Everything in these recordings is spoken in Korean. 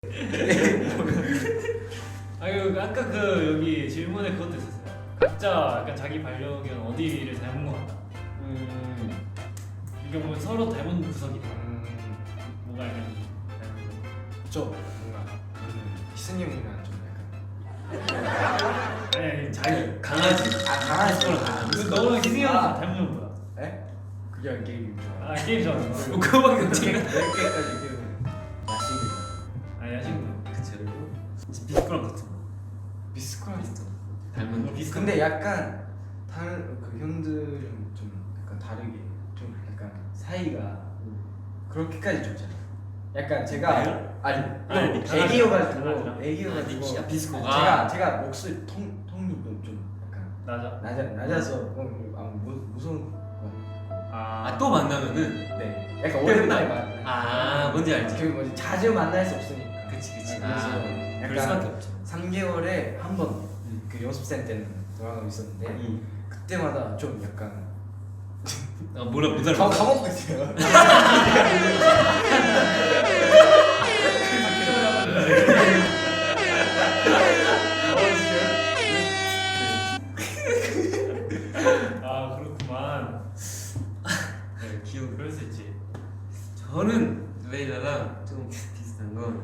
아유 아까 그 여기 질문에 그것도 있었어요. 각자 약간 자기 반려견 어디를 닮은 것 같다. 이게 뭐 서로 닮은 구석이다. 뭐가 약간 닮은 거. 저 뭔가 희승님이랑 좀 약간 아니 자기 강아지. 강아지 너는 희승이 형한테 닮은 건 뭐야? 에? 그게 게임 좋아. 아 게임 좋아하는 거. 그거밖에 없지. 10개까지 키우는 야식을 아 야식은 그치. 비스코랑 같은 거. 비스코랑 비슷한. 닮은 거. 비슷한 근데 약간 다른 그 형들은 좀 약간 다르게 좀 약간 사이가 그렇게까지 좋잖아. 약간 제가 아니 애기여가지고 아, 비스코가 제가 목소리 톤이 좀 약간 낮아서 무서운 거. 또 만나면은 네, 약간 오랜만에 만나. 뭔지 알지. 그 뭐지 자주 만날 수 없으니까. 그치. 그래서 그럴 수밖에 약간 없죠. 3개월에 한 번 그 연습생 때는 돌아가고 있었는데 그때마다 좀 약간 뭐라 못 알아. 까먹고 있어요. 아 그렇구만. 네, 기억. 그럴 수 있지. 저는 레이라랑 좀 비슷한 건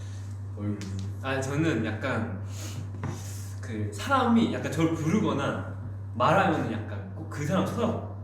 저는 약간 그 사람이 약간 저를 부르거나 말하면 약간 꼭 그 사람 쳐다봐.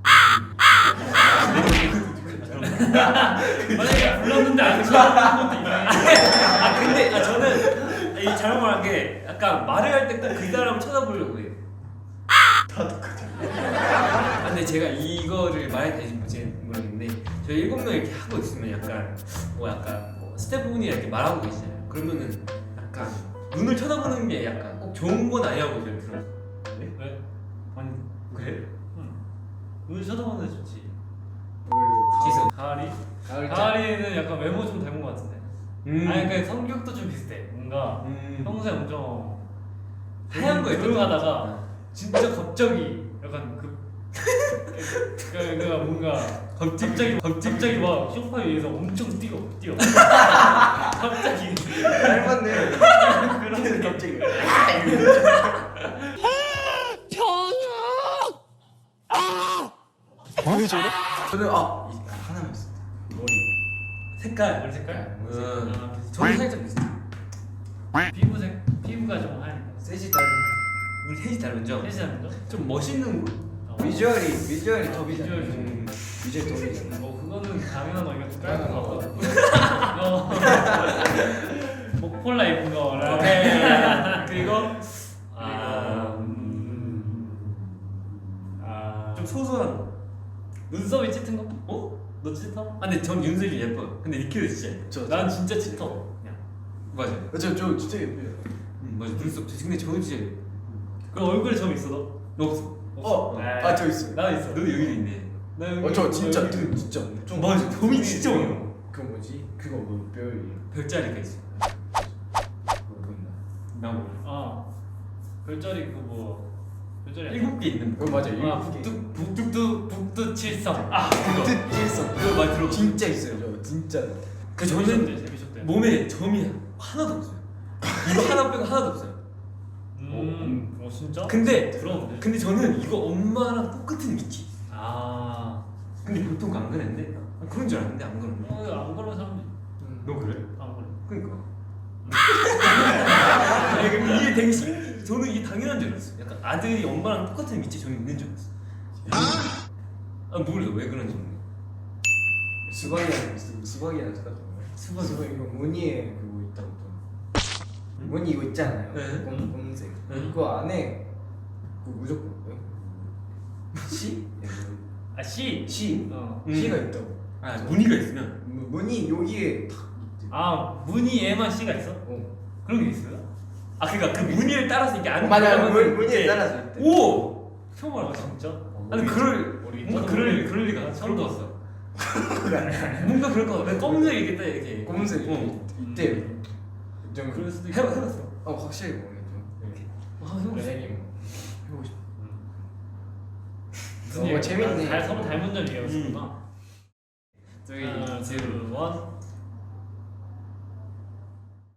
만약에 불렀는데 안 쳐다보는 것도 이상해. 근데 저는 이 잘못 말한 게 약간 말을 할 때 꼭 그 사람을 쳐다보려고 해요. 다 똑같아. 근데 제가 이거를 말해도 되는지 모르겠는데 저희 7명 이렇게 하고 있으면 약간 스태프분이랑 이렇게 말하고 계시잖아요. 그러면은 약간 눈을 쳐다보는 게 약간 꼭 좋은 건 아니라고 저는 들어요. 왜? 아니 그래? 눈 쳐다보는 데 좋지. 지수. 가을이? 가을 가을이는 약간 외모 좀 닮은 것 같은데. 아니 그 성격도 좀 비슷해. 뭔가 평소에 엄청 하얀 거 조용하다가 진짜 갑자기 약간 그러니까 뭔가 갑자기 막 소파 위에서 엄청 뛰어. 갑자기 닮았네. 그런 갑자기. 왜 저래? 저는 하나만 있어. 머리. 색깔. 머리 색깔? 아, 비슷해. 저는 살짝 비슷해. 피부가 좀 하얀. 셋이 다른. 우리 셋이 다른죠? 셋이 닮은 거? 좀 멋있는 거? 비주얼이 톱이잖아. 비주얼 비주얼 톱이잖아. 뭐 그거는 당연한 거 이거 깔고 목폴라 입은 거. 그리고 좀 소소한 거. 눈썹이 짙은 거? 너 짙어? 근데 전 윤슬이 예뻐요. 근데 니키도 진짜 예뻐. 난 진짜 짙어. 그냥. 맞아요. 저 진짜 예뻐요. 맞아. 눈썹. 근데 저는 진짜 예뻐. 그 얼굴에 점 있어 너? 너 없어. 저 있어요. 나 있어. 너도 여기도 있네. 나 여기. 저 진짜 여기. 진짜 엄청. 맞아. 점이 진짜 많아. 그 뭐지? 그거 뭐 뼈이 별자리가 있어. 뭐 보인다. 나 몰라. 별자리 별자리 아니야? 7개 있는 거. 맞아요. 북두칠성. 그거 있어. 그거 많이 들어봤어. 진짜 있어요. 저 진짜. 그 저는 몸에 점이 하나도 없어요. 이거 하나 빼고 하나도 없어요. 진짜? 근데 부러운데. 저는 이거 엄마랑 똑같은 위치. 근데 근데 보통 안 그랬는데 그런 줄 알았는데 안 그런데. 안 그런 사람들 너 그래? 안 그래. 그러니까. 아니, 근데 이게 되게 저는 이게 당연한 줄 알았어. 약간 아들이 엄마랑 똑같은 위치에 저는 있는 줄 알았어. 모르겠어 왜 그런지 모르겠어. 수박이랑 똑같은 거예요. 수박. 수박 이거 무늬에 그거 있다고 또. 무늬 이거 있잖아요. 네. 검은색. 네. 그거 안에 그 무조건 뭐요? 씨? C. 씨. 어. 씨가 있다고. 무늬가 있으면 무늬 여기에 탁 있대. 무늬에만 C가 있어? 그런 게 있어요? 그러니까 그 무늬를 따라서 이게 안 맞아요. 들어가면 무늬에 이제- 따라서 있대. 오! 처음 알아 진짜? 아니 뭔가 그럴 리가 처음 처음 봤어. 봤어. 뭔가 그럴 것 같아. 검은색 이게 딱 이렇게. 검은색 있대요. 좀 그럴 수도 있고. 해봤어. 확실히 모르겠죠. 해보고 싶어. 해보고 싶어. 무슨 얘기야? 재밌네. 서로 닮은 점 얘기하고 있구나. 3, 2, 1.